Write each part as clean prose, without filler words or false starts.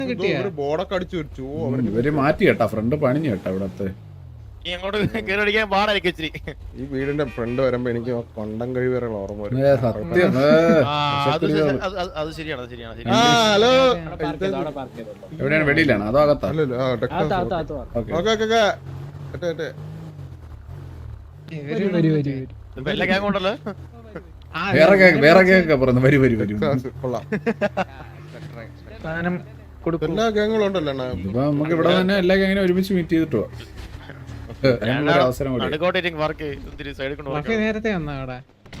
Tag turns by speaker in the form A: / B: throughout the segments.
A: ഒരു ബോർഡൊക്കെ അടിച്ചു വെച്ചു.
B: ഇവര് മാറ്റി കേട്ടാ, ഫ്രണ്ട് പണിഞ്ഞു കേട്ടാ ഇവിടത്തെ.
A: ഈ വീടിന്റെ ഫ്രണ്ട് വരുമ്പോ എനിക്ക് കൊണ്ടം കഴിവേറുള്ള ഓർമ്മ വരും.
B: സത്യം.
A: ഹലോ,
B: എവിടെയാണ്? വെളിയിലാണ് അതോ അകത്താ? വേറെ കേക്കാ പറഞ്ഞു. വരൂ വരൂ വരൂ.
A: എല്ലാ ഗാങ്ങുകളും ഉണ്ടല്ലോ.
B: ഇപ്പൊ നമുക്ക് ഇവിടെ തന്നെ എല്ലാ ഗാങ്ങിനും ഒരുമിച്ച് മീറ്റ് ചെയ്തിട്ടോ അവസരം കൂടി.
C: നേരത്തെ വന്നാ അവിടെ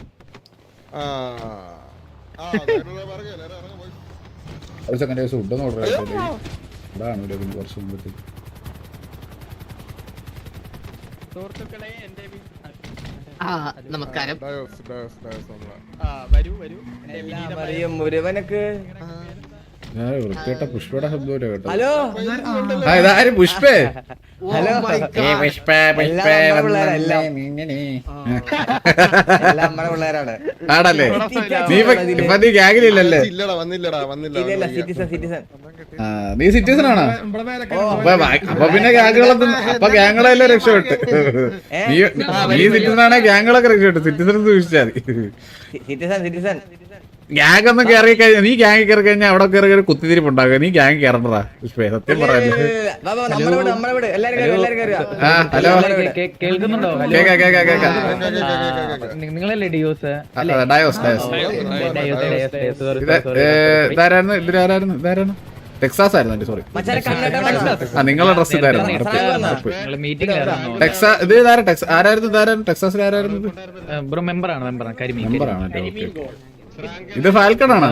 B: ഒരു സെക്കൻഡ് ഫുഡൊന്നും ഓർഡർ ചെയ്തില്ലേ? ഇതാണ് ഒരു കുറച്ച് മുമ്പത്തേക്ക്.
D: നമസ്കാരം.
E: മുരുവനക്ക്
B: വൃത്തിയേട്ട പുഷ്പയുടെ ശബ്ദം കേട്ടോ.
E: ഹലോ,
B: ഇതാരും പുഷ്പേ?
E: ഹലോ, പിള്ളേരാണ്.
B: ആണല്ലേ? നീ ഗ്യാങ്ങിലില്ലല്ലേ? നീ സിറ്റിസൺ ആണോ? അപ്പൊ പിന്നെ ഗ്യാങ്ങുകളൊന്നും, അപ്പൊ ഗ്യാങ്ങുകളെല്ലാം രക്ഷപ്പെട്ട്. നീ സിറ്റിസൺ ആണെ ഗ്യാങ്ങുകളൊക്കെ രക്ഷപ്പെട്ടു. സിറ്റിസൺ സൂക്ഷിച്ചാൽ
E: സിറ്റിസൺ
B: ഗ്യാങ് ഒന്നും കയറി കഴിഞ്ഞാൽ, നീ ഗ്യാങ് കയറി കഴിഞ്ഞാൽ അവിടെ കയറി കുത്തിരിപ്പുണ്ടാകുക. നീ ഗ്യാങ് കയറണ്ടാ പുഷ്പേ, സത്യം പറയാല്ലേ. ഹലോ,
C: കേൾക്കുന്നുണ്ടോ?
B: കേക്കാം കേക്കാം കേക്കാം.
C: നിങ്ങളല്ലേ ഡിയോസ്?
B: ഡയോസ് ഇതാരായിരുന്നു? ഇതിലാരായിരുന്നു? ഇതാരാണ്? ടെക്സാസ് ആയിരുന്നു. സോറി, നിങ്ങളുടെ ഡ്രസ് ഇതായിരുന്നു. ടെക്സാ ഇത് ഇതാരാ? ആരായിരുന്നു? ഇതാരായിരുന്നു? ടെക്സാസിൽ ആരായിരുന്നു?
C: മെമ്പറാണ്.
B: മെമ്പറാണല്ലേ? ഓക്കെ. ഇത് ഫാൽക്കൺ ആണോ?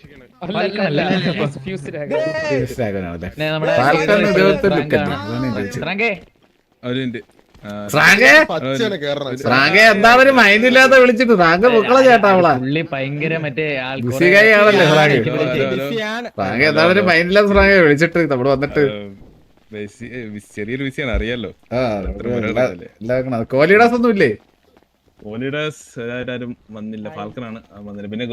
B: എന്താണ് ഒരു മൈൻഡ് ഇല്ലാത്ത വിളിച്ചിട്ട്? റാങ്ക് പൊക്കള ചേട്ടാ അവളാ.
C: ഭയങ്കര മറ്റേ
B: ആണല്ലേ റാങ്ക്? റാങ്ക് എന്താണ് ഒരു മൈൻഡ് ഇല്ലാത്ത റാങ്ക് വിളിച്ചിട്ട് നമ്മള് വന്നിട്ട്
F: ചെറിയൊരു വിഷയാണ് അറിയാലോ.
B: കോഹ്ലിഡാസ് ഒന്നും ഇല്ലേ?
F: ആരും വന്നില്ല. ഫാൽക്കനാണ് വന്നില്ല. പിന്നെ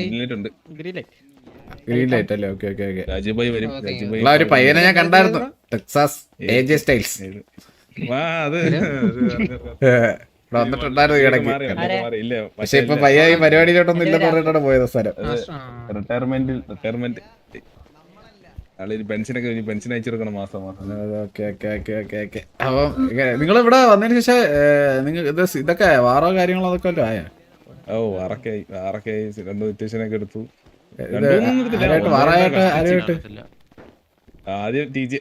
B: ഗ്രീൻ ലൈറ്റ് അല്ലേ? Okay okay okay.
F: രാജുഭായി വരും.
B: ഒരു പയ്യനെ ഞാൻ കണ്ടായിരുന്നു, ടെക്സാസ് AJ സ്റ്റൈൽസ്. വന്നിട്ടുണ്ടായിരുന്നു ഇടയ്ക്ക്. പക്ഷെ ഇപ്പൊ പയ്യ ഈ പരിപാടിയിലോട്ടൊന്നും ഇല്ലെന്ന് പറഞ്ഞിട്ടാണ് പോയത് സ്ഥലം.
F: റിട്ടയർമെന്റ് പെൻഷനൊക്കെ പെൻഷൻ അയച്ചു കൊടുക്കണം മാസം മാസം.
B: അപ്പം നിങ്ങൾ ഇവിടെ വന്നതിന് ശേഷം നിങ്ങൾ ഇതൊക്കെ വാറോ കാര്യങ്ങളോ അതൊക്കെ വല്ലതും ആയോ?
F: ഓ, വാറൊക്കെ ആയി. 2 സ്റ്റേഷനൊക്കെ എടുത്തു.
B: വാറായിട്ട് ആരായിട്ട്?
F: ആദ്യം TJ,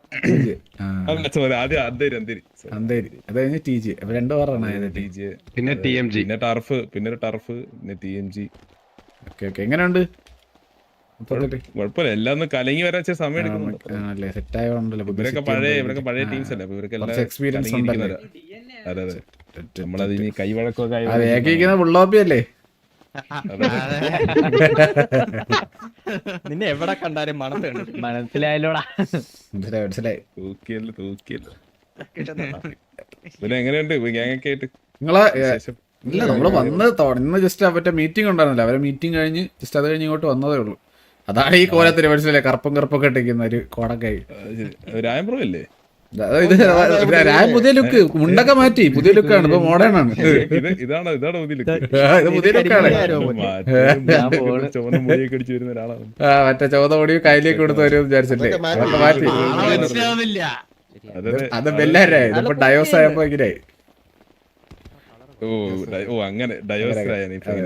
B: അന്തേരി, അത് കഴിഞ്ഞ് TJ. അപ്പൊ 2 വാറാണ്
F: TJ, പിന്നെ TMG, പിന്നെ ടർഫ്, പിന്നെ TMG.
B: Okay okay. എങ്ങനെയുണ്ട്?
F: കുഴപ്പമില്ല. എല്ലാം ഒന്ന് കലങ്ങി വരാൻ സമയം എടുക്കുന്നുണ്ട്. ഇവരൊക്കെ പഴയ ടീംസ് അല്ലേ? അപ്പൊ ഇവരൊക്കെ
B: എക്സ്പീരിയൻസ് ഉണ്ടല്ലോ.
F: അതെ അതെ. നമ്മളതിന് കൈവഴക്കൊക്കെ
B: ബുള്ളോപ്പിയല്ലേ?
C: നിന്നെ എവിടെ കണ്ടാലും മനസ്സിലായല്ലോടാ.
B: മനസ്സിലായി.
F: തൂക്കിയല്ലോ. പിന്നെ എങ്ങനെയുണ്ട് ഗ്യാങ്ങൊക്കെ ആയിട്ട്?
B: നിങ്ങളെ ഇല്ല, നമ്മള് വന്ന് ഇന്ന് ജസ്റ്റ് മറ്റേ മീറ്റിംഗ് ഉണ്ടായിരുന്നില്ല. അവരെ മീറ്റിംഗ് കഴിഞ്ഞ് ജസ്റ്റ് അത് കഴിഞ്ഞ് ഇങ്ങോട്ട് വന്നതേ ഉള്ളൂ. അതാണ് ഈ കോലത്തിന് മനസ്സിലായി, കറുപ്പൊക്കെ ഇട്ടിരിക്കുന്ന ഒരു കോടക്കായി.
F: രായംപ്രഭല്ലേ?
B: പുതിയ ലുക്ക്, മുണ്ടൊക്കെ മാറ്റി പുതിയ ലുക്കാണ്. ഇപ്പൊ മോഡേൺ ആണ്.
F: ഇതാണ്
B: പുതിയ ലുക്കാണ്.
F: ചുവന്ന മുടിയൊക്കെ അടിച്ചു വരുന്ന ഒരാളാണ്.
B: മറ്റേ ചുവന്ന മുടി കയ്യിലേക്ക് കൊടുത്ത് വരും വിചാരിച്ചില്ലേ? അതൊക്കെ മാറ്റി. അത് ബെല്ലാരായി. ഇതിപ്പോ ഡയോസ് ആയപ്പോ ഇങ്ങനെയായി.
F: ഓ അങ്ങനെ ഡയോസായ.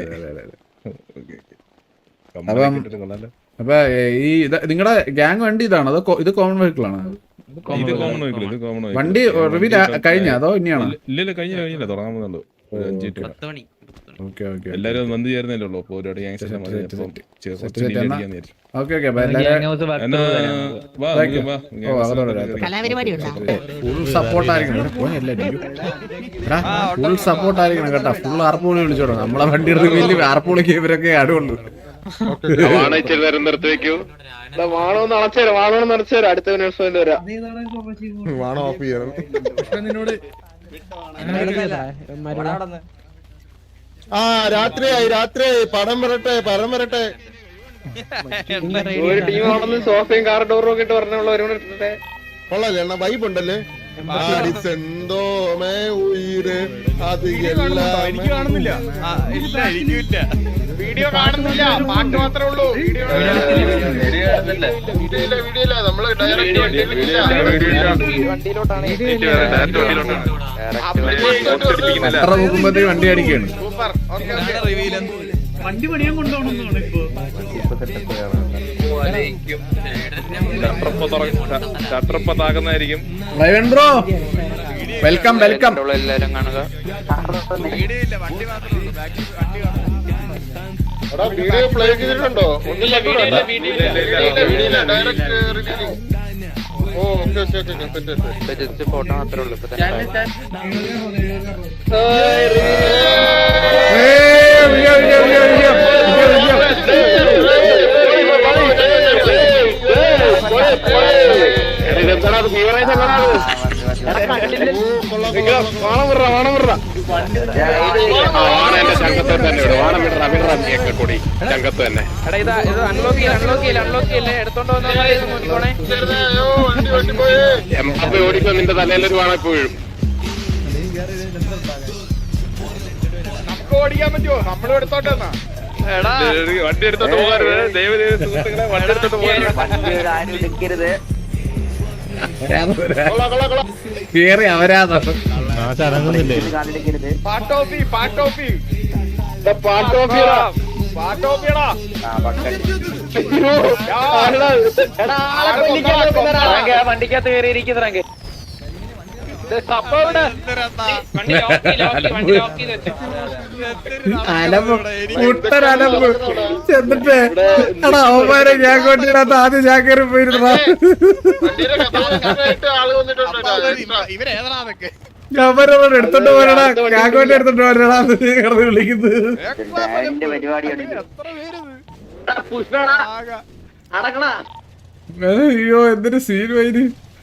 B: അപ്പൊ ഈ നിങ്ങളുടെ ഗ്യാങ് വണ്ടി ഇതാണോ അതോ ഇത് കോമൺ വെഹിക്കിൾ ആണോ? വണ്ടി റിവീൽ കഴിഞ്ഞ അതോ ഇനിയാണോ?
F: ഇല്ല, കഴിഞ്ഞില്ല. തുടങ്ങാൻ എല്ലാരും വന്നു ചേർന്നല്ലേ ഉള്ളൂ. അപ്പൊ ഒരുപാട്
B: ഫുൾ സപ്പോർട്ടായിരിക്കണം കേട്ടാ. ഫുൾ ആർപ്പുളി വിളിച്ചോളൂ. നമ്മളെ വണ്ടി റിവീല് ആർപ്പുളിക്ക് ഇവരൊക്കെ ആടുള്ളൂ.
D: അടുത്ത
A: വാണോ ഓഫ് ചെയ്യണം. രാത്രിയായി. പടം വരട്ടെ.
D: ഒരു ടീം ആണെന്ന് സോഫയും കാർ ഡോറും ഒക്കെ ഇട്ട് പറഞ്ഞുള്ളവരോട്
A: കൊള്ളാല്ലേ അണ്ണാ വൈബ് ഉണ്ടല്ലേ എന്തോ മേ ഉയിര് അത് എല്ലാം
D: എനിക്ക് കാണുന്നില്ല വീഡിയോ കാണുന്നില്ല പാട്ട് മാത്രമേ ഉള്ളൂ വീഡിയോ നമ്മള്
B: എത്ര നോക്കുമ്പോഴത്തേക്ക് വണ്ടി അടിക്കാണ്.
D: സൂപ്പർ.
G: വണ്ടി പണിയാൻ കൊണ്ടുപോകണമെന്നാണ് ഇപ്പൊ.
F: ഷട്ടർപ്പ താകുന്നതായിരിക്കും.
B: റൈവൻ ബ്രോ വെൽക്കം വെൽക്കം.
D: എല്ലാരും കാണുക.
A: വീഡിയോ പ്ലേ ചെയ്തിട്ടുണ്ടോ?
D: ജസ്റ്റ് ഫോട്ടോ മാത്രമേ ഉള്ളൂ ഇപ്പൊ
F: ഓടിക്കോ, നിന്റെ തലയിലൊരു വാണ ഇപ്പൊ വീഴും.
D: നമുക്ക് ഓടിക്കാൻ പറ്റുമോ? നമ്മളും എടുത്തോട്ടെ എന്നാ.
F: വണ്ടി എടുത്തോണ്ട് പോകാറുണ്ട്. ദൈവം സുഹൃത്തുക്കളെ വണ്ടി എടുത്തോണ്ട് പോകാറുണ്ട്.
B: കേറി അവരാധം.
D: പാട്ടോഫി പാട്ടോഫി പാട്ടോഫിയടാ.
G: വണ്ടിക്കകത്ത് കയറിയിരിക്കുന്നേ
B: മുട്ടനലമ്പ് ചെന്നിട്ട് എടാ അവന്മാരെ ഞാൻ കൊണ്ടിടാത്ത ആദ്യം ഞാൻ കയറി പോയിരുന്ന അവരോട് എടുത്തോണ്ട് പോരടാ, കാക്കോട്ടെ എടുത്തോണ്ട് പോരടാ കിടന്ന് വിളിക്കുന്നത്. അയ്യോ എന്തൊരു സീൻ വൈര്.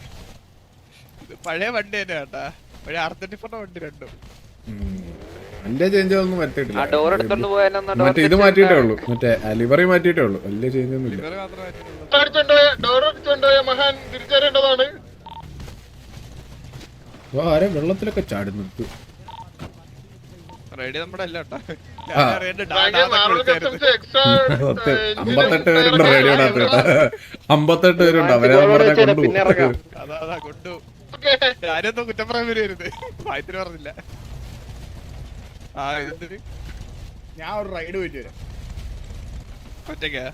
D: പഴയ വണ്ടി തന്നെ കേട്ടാ, പഴയ R34 വണ്ടി രണ്ടും.
B: എന്റെ ചേഞ്ച് ഒന്നും പറ്റിയിട്ടില്ല. മറ്റേ ഇത് മാറ്റിയിട്ടേ ഉള്ളൂ, മറ്റേ ലിവറി മാറ്റിയിട്ടേ ഉള്ളൂ. വലിയ ചേഞ്ച് ഒന്നും ഇല്ല.
A: മഹാൻ തിരിച്ചറിയേണ്ടതാണ്.
B: ആരെ വെള്ളത്തിലൊക്കെ ചാടുന്നു.
D: റെഡി നമ്മുടെ അല്ല കേട്ടാ.
B: 58 പേരുണ്ട് റേഡിയോടകത്ത് കേട്ടാ. 58 പേരുണ്ട്. അവരെ നമ്മളെ കൊണ്ടുപോകും.
D: അതാ കൊണ്ടു. ഞാനൊന്നും കുറ്റം പറയാൻ വരുന്നത് വായത്തിന് പറഞ്ഞില്ല. ഇതെന്തൊരു ഞാൻ ഒരു റൈഡ് പോയിട്ട് വരാം ഒറ്റയ്ക്കാ.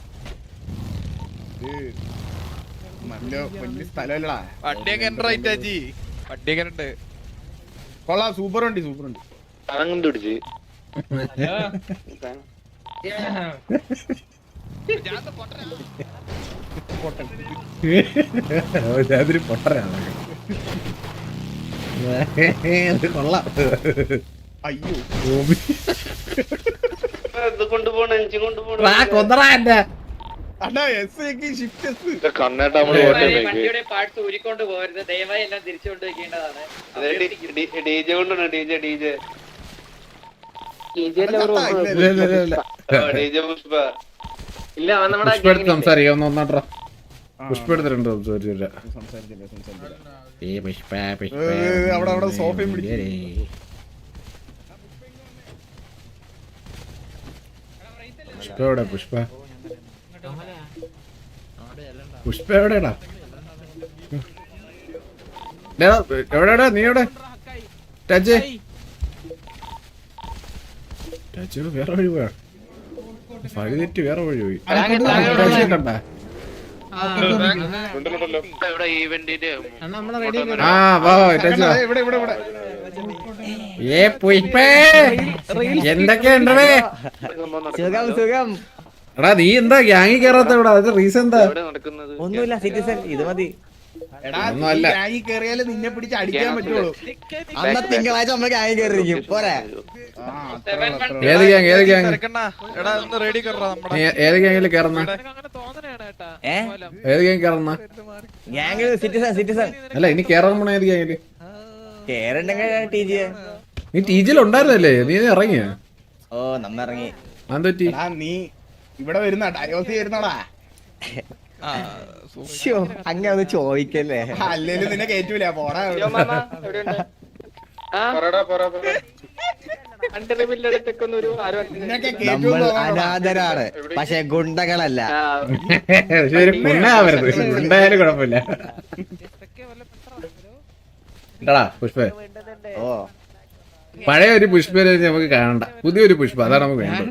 D: നല്ല വലിയ സ്ഥലമല്ലടാ. വണ്ടിയൊക്കെ എന്റെ റൈറ്റ് ആച്ചി, വണ്ടിയൊക്കെ ഉണ്ട്. കൊള്ളാം, സൂപ്പർ വണ്ടി സൂപ്പർ വണ്ടി.
F: പിടിച്ച്
B: ഞാനൊരു പൊട്ടരാണ്. കൊള്ളാം.
D: അയ്യോ
B: കൊന്നറാ എന്റെ
D: അണ്ണാ ഷിഫ്റ്റ്
G: വണ്ടിയുടെ പാർട്സ് ഊരിക്കൊണ്ട് പോകരുത്, ദയവായി എല്ലാം തിരിച്ചു കൊണ്ടുവയ്ക്കേണ്ടതാണ്. ഇല്ല നമ്മുടെ
B: സംസാരിക്കാം. ഒന്ന് ഒന്നാട്രാ പുഷ്പ എടുത്തിട്ടുണ്ട്.
D: അവിടെ സോഫയും പിടിച്ചു.
B: പുഷ്പ എവിടെ? പുഷ്പ എവിടെടാ? എവിടെടാ നീ? എവിടെ ടച്ച്? വേറെ വഴി പോയാ? വഴി തെറ്റി വേറെ വഴി പോയി. കണ്ട എന്തൊക്കെയുണ്ടേ?
E: സുഖം സുഖം.
B: എടാ നീ എന്താ ഗ്യാങ്ങി കേറാത്ത? ഇവിടെ അത് റീസൺ എന്താ?
E: ഒന്നുമില്ല സിറ്റിസൺ, ഇത് മതി.
D: കേറിയാല് നിന്നെ പിടിച്ച് അടിക്കാൻ പറ്റുള്ളൂ.
E: അന്ന് തിങ്കളാഴ്ച നമ്മൾ ഗ്യാങ് കയറിയിരിക്കും പോരെ.
B: ഏത് ഗ്യാങ്? ഏത് ഗ്യാങ്? ഏത് ഗ്യാങ്ങില് കേറുന്ന? ഏത് ഗ്യാങ് കേറുന്ന?
E: Gang citizen citizen.
B: അല്ല ഇനി കേറാൻ പോണ ഏത് ഗ്യാങ്ങില്?
E: കേറണ്ടെങ്കിൽ ടി ജി.
B: നീ ടി ജിയിൽ ഉണ്ടായിരുന്നല്ലേ? നീ ഇറങ്ങിയ?
E: ഓ നമ്മ ഇറങ്ങി.
B: അതെന്തുപറ്റി?
D: നീ ഇവിടെ വരുന്ന ഡയോസി വരുന്നടാ.
E: ശ്ശോ, അങ്ങനെ ഒന്ന് ചോദിക്കല്ലേ.
D: അല്ലേലും നിന്നെ കേറ്റൂല പോടാ. നിന്നൊക്കെ
E: നമ്മൾ
D: കേറ്റൂന്ന്
E: അനാഥരാണ്, പക്ഷെ ഗുണ്ടകളല്ല.
B: പക്ഷെ ഒരു ഗുണ്ടാവരുത്, ഗുണ്ടായാലും കുഴപ്പമില്ല. എന്താടാ പുഷ്പ,
E: ഓ
B: പഴയ ഒരു പുഷ്പനെ നമുക്ക് കാണണ്ട, പുതിയൊരു പുഷ്പ, അതാണ് നമുക്ക് വേണ്ടത്.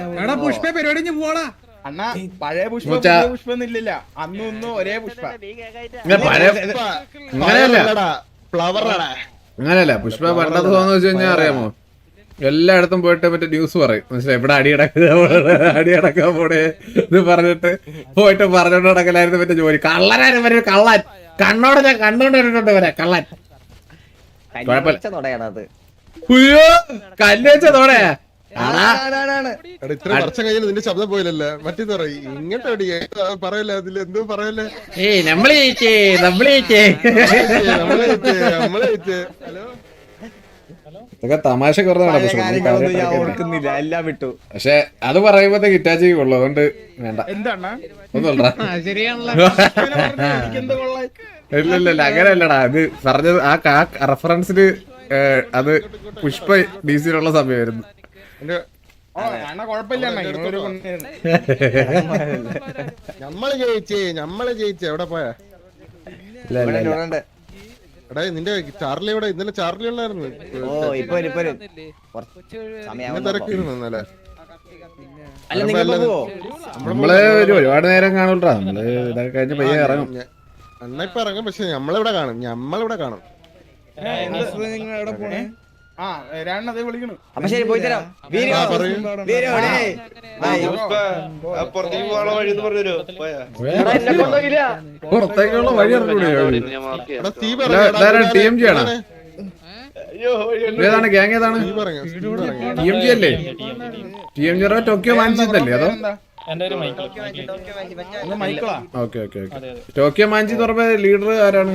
D: അണ്ണാ പഴയ പുഷ്പ
B: മുച്ചാ.
D: പുതിയ പുഷ്പൊന്നും ഇല്ലില്ല, അന്നും ഇന്നും ഒരേ പുഷ്പ.
B: പഴയ അങ്ങനെയല്ല,
A: ഫ്ലവറാടാ.
B: അങ്ങനെയല്ല പുഷ്പ പണ്ടത്തെ തോന്നുന്നു വെച്ച് കഴിഞ്ഞാൽ അറിയാമോ, എല്ലായിടത്തും പോയിട്ട് മറ്റേ ന്യൂസ് പറയും, മനസ്സിലായി, ഇവിടെ അടിയടക്കാൻ പോണേ ഇത് പറഞ്ഞിട്ട് പോയിട്ട് പറഞ്ഞോണ്ട് നടക്കലായിരുന്നു മറ്റേ ജോലി. കള്ളനാരും വരെ കള്ളൻ, കണ്ണോട് ഞാൻ കണ്ണുകൊണ്ട് വരണ്ടോണ്ട് വരാ കള്ളൻ.
E: തുടയാണത്.
B: ഉയ്യോ, കല്ല് വെച്ച തോടെയാ.
A: ഇത്ര വർഷം കഴിഞ്ഞാൽ നിന്റെ ശബ്ദം പോയില്ലല്ലേ, മറ്റേ പറയും ഇങ്ങോട്ട് പറയല്ലേ, അതിൽ എന്തോ പറയല്ലേ.
B: ഏയ് നമ്മള് ജയിച്ചേ, നമ്മള് ജയിച്ചേ.
A: ഹലോ
B: ഇതൊക്കെ തമാശ കുറവാണ്,
E: കാര്യങ്ങളൊന്നും ഞാൻ ഓർക്കുന്നില്ല, എല്ലാം വിട്ടു.
B: പക്ഷെ അത് പറയുമ്പോഴത്തേക്ക് ഇറ്റാച്ചി കൊള്ളു, അതുകൊണ്ട് വേണ്ട.
D: എന്താണ്ണാ
B: ഒന്നുമില്ലടാ,
D: എനിക്കെന്ത് കൊള്ളായി.
B: ഇല്ല അങ്ങനെയല്ലടാ, അത് പറഞ്ഞത് ആ റെഫറൻസിന് അത് പുഷ്പ ഡിസിയിലുള്ള സമയമായിരുന്നു.
D: അണ്ണാ കൊഴപ്പില്ല അണ്ണാ, ഇങ്ങനൊരു കൊണ്ടായിരുന്നു.
A: നമ്മള് ജയിച്ചേ എവിടെ പോയാ? എടാ നിന്റെ ചാർലി എവിടെ? ഇന്നലെ ചാർലി ഉണ്ടായിരുന്നു.
E: ഓ ഇപ്പൊ
A: തിരക്കിയിരുന്നു ഇന്നലെ.
E: അല്ല നിങ്ങൾ പോവോ?
B: നമ്മള് ഒരുപാട് നേരം കാണൂട്ടാ, നമ്മള് ഇതൊക്കെ കഴിഞ്ഞ് പയ്യെ ഇറങ്ങും.
A: അണ്ണ ഇപ്പൊ ഇറങ്ങും, പക്ഷെ നമ്മളിവിടെ കാണും.
D: നിങ്ങളെവിടെ പോണേ? ആ വരാണത് വിളിക്കണു.
E: അപ്പൊ ശരി, പോയി തരാം. വീരോ, വീരോ, ഡേയ്.
B: പുറത്തേക്കുള്ള വഴി ഇറങ്ങൂടെ?
A: എടാ തീ
B: ടി എം ജി ആണ്, ഏതാണ് ഗ്യാങ്, ഏതാണ് ടി എം ജി അല്ലേ? ടി എം ജി ടോക്കിയോ മാഞ്ചിന്നല്ലേ? അതോ
D: മൈക്കിളാ?
B: Okay okay okay. Tokyo Manji എന്ന് പറഞ്ഞ ലീഡർ ആരാണ്?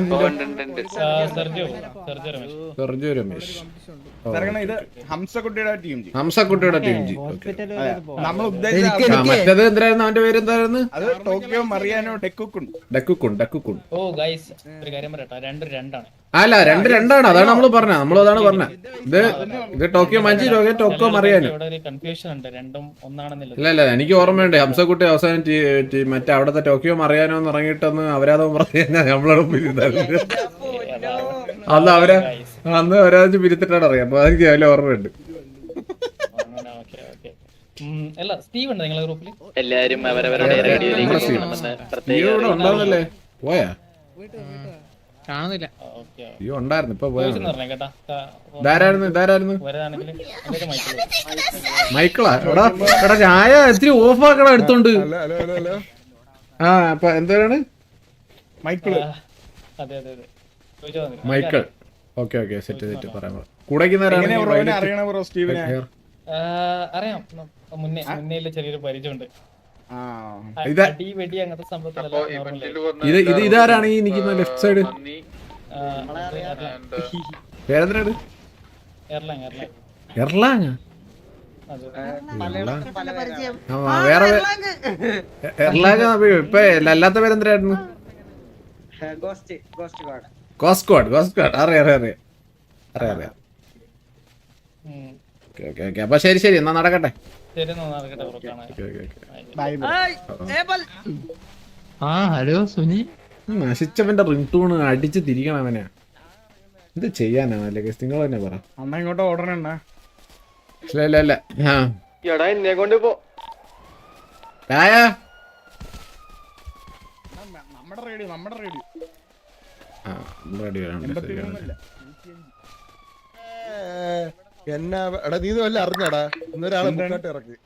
B: സെർജിയോ രമേശ്.
D: ഇത് ഹംസക്കുട്ടിയുടെ ടീം ജി.
B: ഹംസക്കുട്ടിയുടെ ടീം ജി.
D: നമ്മൾ ഉദ്ദേശിച്ച
B: മറ്റേത് എന്തായിരുന്നു, അവന്റെ പേര് എന്തായിരുന്നു?
D: അത് ടോക്കിയോ മറിയാനോ ഡെക്കുക്കുണ്ട്.
B: ഡക്കുക്കുൺ.
C: ഓ ഗൈസ്, ഒരു കാര്യം പറയട്ടെ, 2-2
B: അല്ല 2-2 അതാണ് നമ്മൾ പറഞ്ഞത്, നമ്മളതാണ് പറഞ്ഞത്. ഇത് Tokyo Manji, Tokyo Mariano.
C: Confusion ഉണ്ട്, രണ്ടും ഒന്നാണെന്നില്ല.
B: ഇല്ല എനിക്ക് ഓർമ്മയുണ്ട്, ഹംസക്കുട്ടി അവസാനം മറ്റേ അവിടത്തെ ടോക്കിയോ മറിയാനോ എന്ന് ഇറങ്ങിയിട്ടൊന്ന് അവരാതോ പറഞ്ഞാൽ നമ്മളോട് പിരിത്തായിരുന്നു. അന്ന് അവരാജ് പിരിത്തിട്ടാണ് അറിയാം, അപ്പൊ അതെനിക്ക് അതിൽ ഓർമ്മയുണ്ട്.
C: അല്ല സ്റ്റീവ് ഉണ്ട് നിങ്ങളെ ഗ്രൂപ്പിൽ?
G: എല്ലാരും അവരവരുടെ
B: ഉണ്ടാവുന്നല്ലേ? പോയാ
C: കാണുന്നില്ല.
B: അയ്യോ ഉണ്ടായിരുന്നു, ഇപ്പൊ പോയാ.
C: കേട്ടാ
B: ഇതാരായിരുന്നു?
C: വരാണെങ്കിൽ
B: മൈക്കിളാ? എടാ ചായ ഇത്തിരി ഓഫ് ആക്കടാ എടുത്തോണ്ട്. ആ അപ്പൊ എന്താണ്
D: മൈക്കിള്?
C: അതെ
B: മൈക്കിൾ. ഓക്കെ സെറ്റ് പറയാം. കൂടെ
D: അറിയണ ബ്രോ സ്റ്റീവിനെ?
C: അറിയാം, മുന്നേ ചെറിയൊരു പരിചയമുണ്ട്. അടി വെടി അങ്ങനത്തെ സംഭവത്തിലല്ല.
B: ഇതാരാണ് ഈ നിൽക്കുന്ന ലെഫ്റ്റ് സൈഡ്? പേരെന്തിനാണ്? എർലാങ്. വേറെ എർലാങ്. ഇപ്പൊ അല്ലാത്ത പേരെന്തിനായിരുന്നു? Ghost squad. അറിയാം. ഓക്കെ അപ്പൊ ശരി എന്നാ നടക്കട്ടെ.
C: ഹലോ സുനി.
B: നശിച്ചവന്റെ റിംഗ് ടൂൺ അടിച്ച് തിരിക്കണം അവനെ. എന്ത് ചെയ്യാനാണല്ലേ, നിങ്ങൾ തന്നെ പറ.
D: അണ്ണ ഇങ്ങോട്ട് ഓടണ?
B: ഇല്ല
G: എന്നെ കൊണ്ട് പോ.
D: നമ്മുടെ റേഡിയോ
A: എന്നാ എടാ നീ വല്ല അറിഞ്ഞടാ, ഇന്നൊരാളെ മുന്നോട്ട് ഇറക്കി.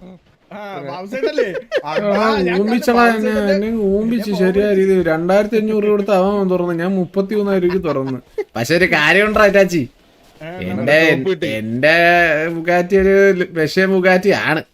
B: ഊമ്പിച്ച് ശരിയായ രീതി 2500 കൊടുത്ത് അവൻ തുറന്നു, ഞാൻ 33,000 രൂപ തുറന്നു. പക്ഷെ ഒരു കാര്യമുണ്ടോ ചാച്ചി, എന്റെ ബുഗാറ്റി ഒരു വിഷയ ബുഗാറ്റി ആണ്.